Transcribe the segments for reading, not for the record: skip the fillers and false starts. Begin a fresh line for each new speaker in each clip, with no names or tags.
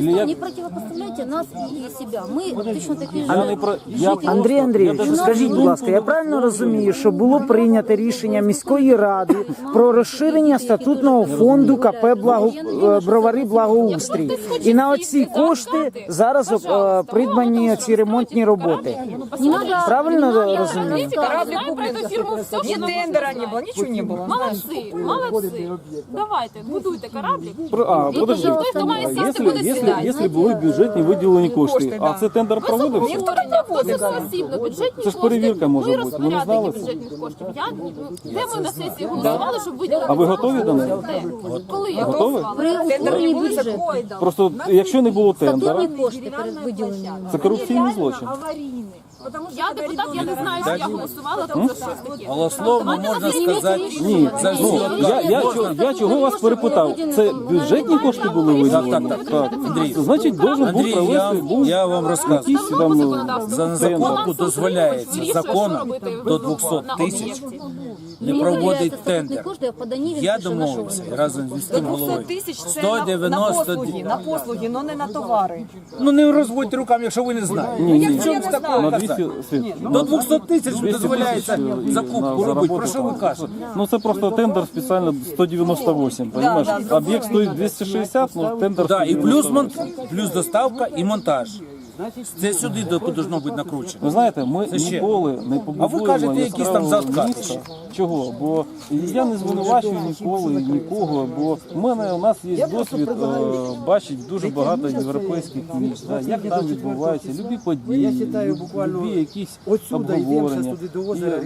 Не противопоставляйте нас и себя. Мы точно такі ж
Андрій Андрійович, скажіть, будь ласка, я правильно розумію, що було прийнято рішення міської ради про розширення статутного фонду КП Бровари Благоустрій. І на оці кошти зараз придбані ці ремонтні роботи. Правильно розумію?
Кораблик куплен. Ни тендера не было, ничего не было.
Молодці, молодці. Давайте, будуйте кораблик.
Подожди,
Той, хто має сісти, буде сідати.
якщо були бюджетні виділені кошти, а це тендер проводився?
Ніхто не висоосібно бюджетні
Це ж перевірка може бути, ви не знали це?
бюджетних коштів. Де ми на сесії голосували, щоб виділити?
А ви готові до неї?
Коли я
Готові?
голосувала?
при утворенні бюджету.
Просто якщо не було тендера,
Статутні кошти перед виділенням.
це корупційний злочин.
Я депутат, я не знаю, що я голосувала там за щось таке.
Голословно можна сказати,
Ні,
за всі
я чого вас перепитав? Це бюджетні кошти були виділені? Так.
Андрій,
Значить, должен був
Андрій,
провести
я вам розказую.
якийсь там
За закупку дозволяється законом до 200 тисяч не проводить тендер. Я домовився разом з міським
200
головою.
тисяч це на послуги, но не на товари.
Ну не розводьте руками, якщо ви не знаєте.
Ні,
В чому такого
на
казати?
200
До 200 тисяч
200
дозволяється
тисяч
закупку робити. Про що ви кажете?
Ну це просто тендер спеціально 198, понимаєш? Об'єкт стоїть 260, ну тендер
Да, і
198.
плюс доставка і монтаж. Це сюди повинно бути накручено.
Ви знаєте, ми
Це ще.
ніколи не побудуємо
А ви кажете, якісь там
яскравого
заткати
міста.
ще.
Чого? Бо я не звинувачую ніколи нікого, бо у нас є досвід бачить дуже багато європейських міст, да, як там відбуваються любі події, любі якісь обговорення. І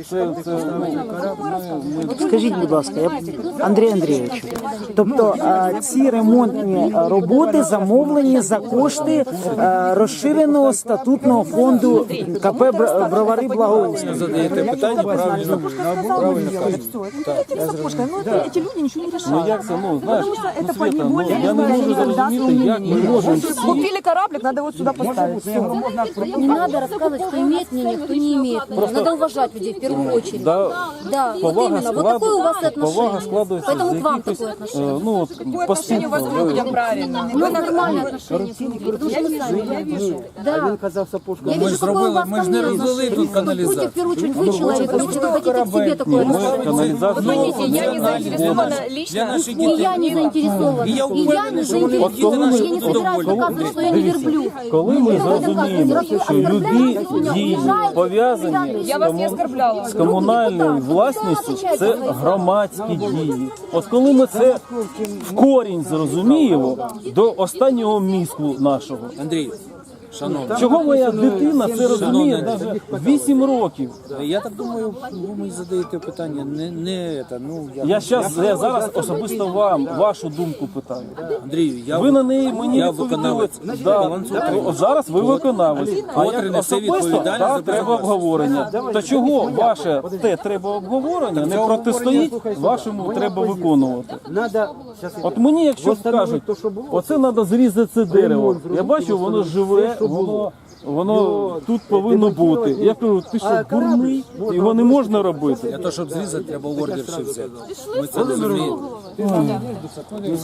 Скажіть, будь ласка, Андрій Андрійович, тобто ці ремонтні роботи замовлені за кошти розширеного статутного фонду КП Бровари Благоустрій.
Задаєте питання, правильно кажете.
Эти люди ничего не решают.
Ну як це, ну знаєш, ну, Света, ну, я не можу зрозуміти, як ми можемо всі.
Купили кораблик, надо вот сюда поставить. Все.
Не надо рассказывать, кто имеет мнение, кто не имеет мнение. Надо уважать людей в первую очередь.
Да,
Да, вот
повага
именно. Вот такое у вас
повага
отношение.
складується
Поэтому
з
к вам
якихось,
такое отношение.
ну от
Отношение у вас к
поступків.
людям правильно.
У нас нормальное отношение к людям, потому что мы сами видим. Да. Я вижу, какое у вас
ми ж
ко
не
мне
розвели тут
отношение.
каналізацію.
Будьте в первую очередь вы человек, потому что вы хотите к себе такое
Ми
отношение.
каналізацію.
Я не заинтересована лично.
Для наших
И я не заинтересована.
И я
И я
уверен,
не
что вони
заинтересована.
діти
Я не
наші
собираюсь доказывать, что я не верблюд.
Коли ми зрозуміємо, що любі дії пов'язані
Я вас не оскорбляла.
з комунальною власністю, це громадські дії. От коли ми це в корінь зрозуміємо до останнього мізку нашого.
Андрій, шановний,
Чого моя дитина це розуміє навіть 8 років?
я так думаю, ви мені задаєте питання,
Я зараз особисто вам, вашу думку питаю.
Андрію,
Ви на неї мені
я
відповіли.
виконавець.
Да. От зараз ви виконавець. А
Котрий
як
несе
особисто,
відповідальність за
так, треба
безпеку.
обговорення. То чого ваше те треба обговорення не протистоїть вашому треба виконувати? От мені, якщо скажуть, оце треба зрізати це дерево. Я бачу, воно живе, воно тут повинно бути. Я кажу, ти що, дурний? Його не можна робити.
Для того, щоб зрізати, треба ордер ще взяти. Ми це розуміємо.